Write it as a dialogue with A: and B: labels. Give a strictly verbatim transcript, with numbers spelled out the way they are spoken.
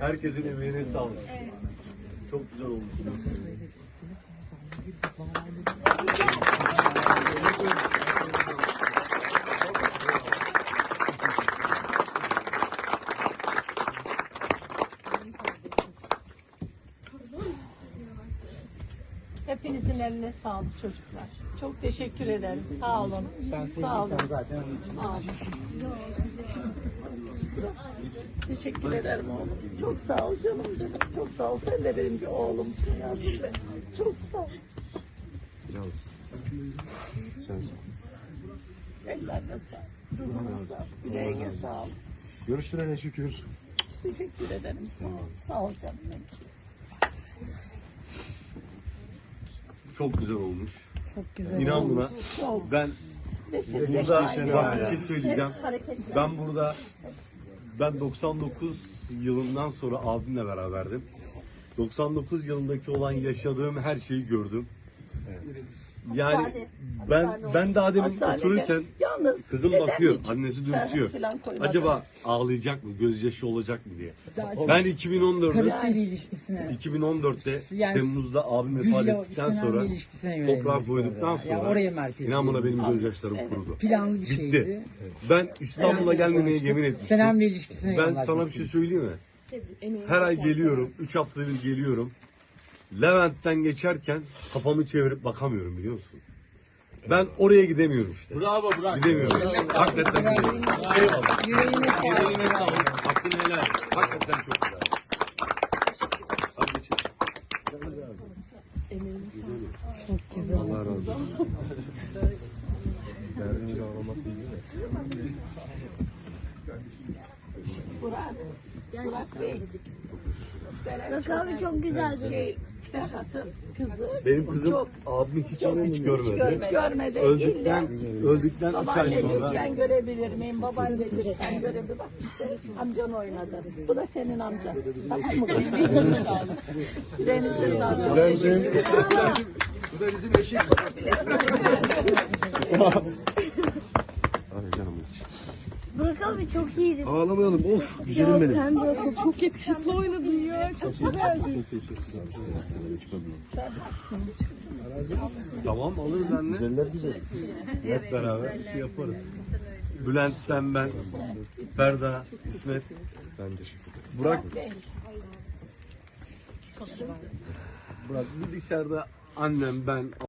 A: Herkesin emeğine sağlık. Çok güzel olmuş.
B: Hepinizin eline sağlık çocuklar. Çok teşekkür ederiz. Sağ olun. Sağ olun.
C: zaten.
B: Sağ olun. Teşekkür ederim oğlum. Çok sağ ol canım benim. Çok sağ ol. Sen de benim bir oğlumsun ya. Çok sağ ol. Ellerine sağlık. Ruhuna sağlık. Yüreğine sağlık.
A: Görüştürene şükür.
B: Teşekkür ederim. Sağ ol. Sağ ol canım benim.
A: Çok güzel olmuş.
D: Çok güzel.
A: İnan buna.
B: Çok.
A: Ben
B: Ve siz de
A: burada
B: şahane.
A: bak bir şey söyleyeceğim. Ben burada ben doksan dokuz yılından sonra abimle beraberdim. doksan dokuz yılındaki olan yaşadığım her şeyi gördüm. Yani ben ben daha demin
B: Hastanede.
A: otururken
B: Yalnız
A: kızım
B: neden
A: bakıyor,
B: hiç
A: annesi
B: ferhat
A: dürtüyor.
B: falan koymadınız?
A: Acaba ağlayacak mı, gözyaşı olacak mı diye. Ben iki bin on dörtte
D: Karısıyla ilişkisine.
A: iki bin on dörtte
D: Yani
A: Temmuz'da abim vefat
D: Gül'le
A: ettikten
D: Sinan
A: sonra
D: Bey ilişkisine yönelik
A: toprağa
D: bu
A: koyduktan
D: arada.
A: sonra
D: Yani oraya merkez
A: inan bana
D: değil.
A: benim gözyaşlarım kurudu.
D: Planlı bir şeydi.
A: Bitti. Ben İstanbul'a gelmemeye yemin etmiştim.
D: Senem'le ilişkisine
A: Ben
D: yöneldi.
A: sana bir şey söyleyeyim mi? Her ay geliyorum, üç haftada bir geliyorum. Levent'ten geçerken kafamı çevirip bakamıyorum biliyor musun? Ben oraya gidemiyorum işte.
E: Bravo bravo.
A: Gidemiyorum. Hakikaten gidemiyorum. Eyvallah.
D: Yüreğine sağlık.
A: Yüreğine sağlık. Hakkını helal et. Hakikaten çok güzel. Hadi geçelim.
D: Çok güzel.
A: Allah razı olsun. Derdini ağlaması iyi değil mi?
B: Burak, Burak Bey.
F: Bak abi çok güzeldi.
B: Şey, Ferhat'ın kızı.
A: Benim kızım
B: Çok
A: abimi hiç, hiç görmedi.
B: görmedi. Görmedi.
A: Öldükten,
B: İlla-
A: öldükten üç ay
B: Babaanne
A: sonra
B: lütfen görebilir miyim? Babaanne lütfen görebilir. Bak işte amcan oynadı. Bu da senin amcan. Tamam mı? Yüreğinize sağlık. Yüreğinize sağlık. Çok teşekkür ederim.
E: Bu da bizim eşek.
F: Burak abi çok iyiydi.
A: ağlamayalım. Of güzelim benim.
B: Sen de asıl çok yakışıklı oynadın ya. Çok güzeldi.
A: Tamam alırız anne. Güzeller güzel. Hep beraber bir şey yaparız. Bülent, sen, ben, Ferda, İsmet. Ben teşekkür ederim. Burak. Burak bir dışarıda annem, ben,